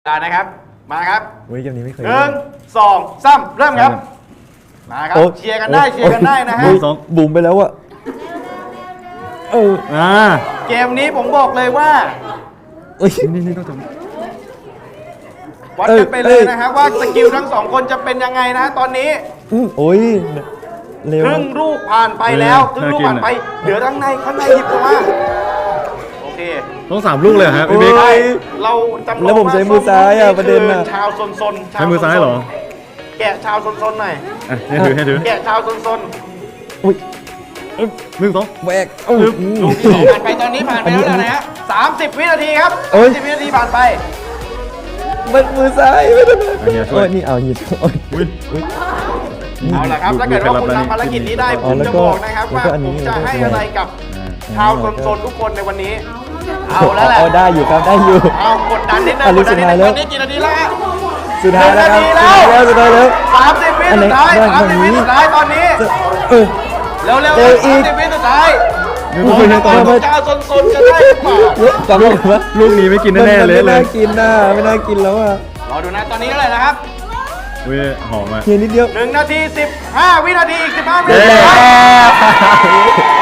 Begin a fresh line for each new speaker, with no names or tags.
นะครับมาครับ
เฮ้ยเกมนี้ไม่เคย
1 2 3เริ่มครับมาครับเชียร์กันได้นะฮะ
บุ๋มไปแล้วอะ
เกมนี้ผมบอกเลยว่า
นี่ต้องจบ
วัดกันไปเลยนะครับว่าสกิลทั้ง2คนจะเป็นยังไงนะตอนนี้
โอ้ยเร็ว
ครึ่งลูกผ่านไปแล้วครึ่งลูกผ่านไปเหลือข้างในหยิบออกมาโอเค
ต้อง3ลูกเลยฮะพี่บิ๊ก
เราจำลอง
แล้วผมใช้มือซ้ายอะประเด็นอะ
ชาวซน
ใช้มือซ้ายเหรอ
แกะชาวซนหน่อย
ให้ถือ
แกะชาวซน
อุ้ย
1 2
แบก
ลูกที่2ผ่านไปตอนนี้ผ่านไปแล้วนะฮะ30 วินาทีครับ30 วินาทีผ่านไป
มันมือซ้ายไม่ได้โอ้ยนี่เอาหยิบ
เอาล่ะครับถ้าเกิดว่าคุณทำภารกิจนี้ได้ผมจะบอกนะครับว่าผมจะให้อะไรกับชาวซนทุกคนในวันนี้เอาแล้วแหละ
ได้อยู่ครับได้อยู่
เอากดดันนิดนึงตอนนี้กี่นาทีแล้วฮะ
สุดท้ายแล้วครับสุดท้ายแล้ว
30 วิสุดท้าย30 วิสุดท้ายตอนนี้เร็ว30 วิสุดท้ายเจ้าซนจะได้หรือเปล่า
ลูกนี้ไม่กินแน่เลย
ไม่น่ากินนะไม่น่ากินแล้วอ่ะ
รอดูนะตอนนี้เท่าไหร่นะครับ
หอมอ่ะ
เพียงนิดเดียว
1 นาที 15 วินาทีอีก15 วิ